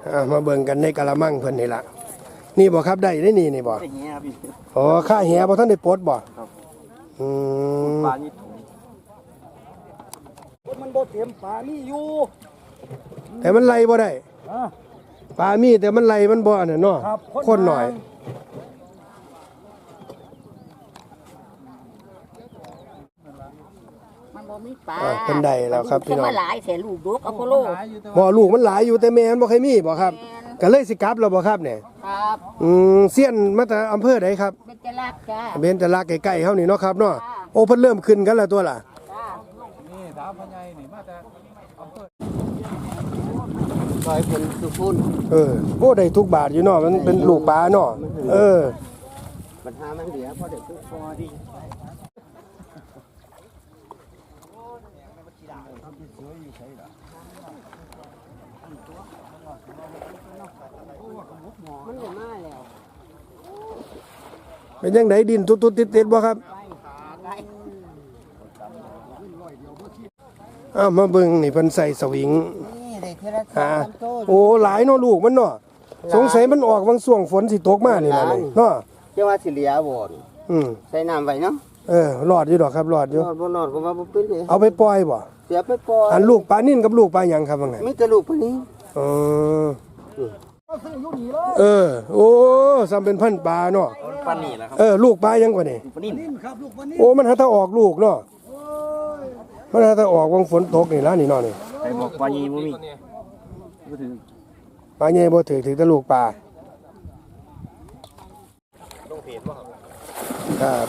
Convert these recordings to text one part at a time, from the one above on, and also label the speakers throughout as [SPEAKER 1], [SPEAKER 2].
[SPEAKER 1] มาเบิ่งกันในกะละมังเพิ่นนี่ล่ะนี่บ่ครับได้นี่บ่อ๋อค่าแหบ่ท่านได้ปลดบ่
[SPEAKER 2] ปลานี่มันบ่เต็มปลานี่อยู่
[SPEAKER 1] แต่มันไล่บ่ได้ปลามีแต่มันไล่มันบ่น่ะเนาะคนหน่อย
[SPEAKER 3] มันบ่มีปลา
[SPEAKER 1] เป็นใดแล้วครับพี่น้อง
[SPEAKER 3] หลายแสนลูกดกอพอลโล
[SPEAKER 1] บ่ลูกมันหลายอยู่แต่แม่มันบ่เคยมีบ่ครับก็เลยสิกลับแล้วบ่ครับเนี่ย
[SPEAKER 3] ครับ
[SPEAKER 1] เสี้ยนมาแต่อำเภอใดครับ
[SPEAKER 3] เบญจรักษ์จ้า
[SPEAKER 1] เบญจรักษ์ใกล้ๆเฮานี่เนาะครับเนาะโอ้เพิ่นเริ่มขึ้นกันแล้วตัวล่ะ
[SPEAKER 2] นี่ถามพ่อใหญ่นี่มาแต่อำเภอ
[SPEAKER 3] ซอยเพิ่นสุขุน
[SPEAKER 1] โอ้ได้ทุกบาทอยู่เนาะมันเป็นลูกปลาเนาะ
[SPEAKER 3] ปัญหามันเหลือพอได้ทุกพอดีมันจะมาแล้ว
[SPEAKER 1] เป็นจังไดดินตุดๆติดๆบ่ครับมาเบิ่งนี่เพิ่นใส่สวิง
[SPEAKER 3] นี่ได้เทระ3 โต
[SPEAKER 1] โอ้หลายเนาะลูกมันเนาะสงสัยมันออกบางช่วงฝนสิตกมานี่ล่ะเนาะ
[SPEAKER 3] จะว่าสิเหลือบ่ใส่น้ำไว้เนาะ
[SPEAKER 1] รอดอยู่ดอกครับรอดอยู่
[SPEAKER 3] รอดบ่รอดก็ว่าบ่เป็นเลย
[SPEAKER 1] เอาไปปล่อยบ่
[SPEAKER 3] เสียไปปล่อย
[SPEAKER 1] อันลูกปลานิ่นกับลูกปลาหยังครับว่าไง
[SPEAKER 3] มีแต่ลูกปลานิ่น
[SPEAKER 1] โอ้ซ้ำเป็นพันปลาเนาะ
[SPEAKER 2] ปลานี่แหละครับ
[SPEAKER 1] ลูกปลายังกว่านี่
[SPEAKER 2] ปลานิ่นครับลูกปลานิ่น
[SPEAKER 1] โอ้มันหาถ้าออกลูกเนาะมันหาถ้าออกวังฝนตกนี่ล่ะนี่เนาะนี่
[SPEAKER 2] ใครบอกปลาใหญ่บ่มีบ่ถึง
[SPEAKER 1] ปลาใหญ่บ่ถือแต่ลูกปลา
[SPEAKER 2] ลงเพจบ่
[SPEAKER 1] ครับ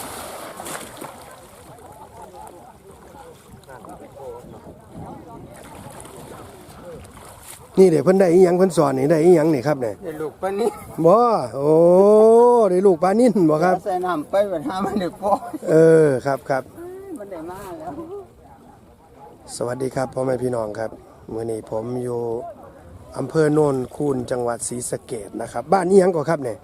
[SPEAKER 1] นี่เดี๋ยวเพิ่นได้อีหยังเพิ่นสอนนี่ได้อีหยังนี่ครับเนี่ย
[SPEAKER 3] ได้ลูกปลานิ่น
[SPEAKER 1] บ่โอ้ได้ลูกปลานิ่นบ่ครับ
[SPEAKER 3] ใส่น้ำไปบัดหามันได้ปล่
[SPEAKER 1] อยครับ
[SPEAKER 3] มันได้มาแล้ว
[SPEAKER 1] สวัสดีครับพ่อแม่พี่น้องครับมื้อนี้ผมอยู่อำเภอโนนคูนจังหวัดศรีสะเกษนะครับบ้านอีหยังก่อครับเนี่ย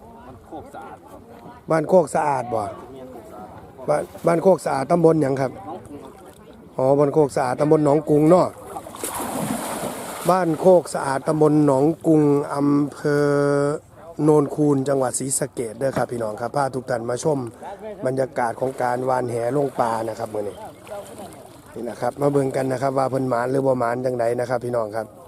[SPEAKER 1] บ้านโคกสะอาดบ่บ้านโคกสะอาดตำบลหยังครับอ๋อบ้านโคกสะอาดตำบลหนองกรุงเนาะบ้านโคกสะอาดตำบลหนองกรุงอำเภอโนนคูนจังหวัดศรีสะเกษเด้อครับพี่น้องครับพาทุกท่านมาชมบรรยากาศของการวานแหลงปลานะครับมื้อนี้นี่นะครับมาเบิ่งกันนะครับว่าเพิ่นหมานหรือบ่หมานจังไดนะครับพี่น้องครับ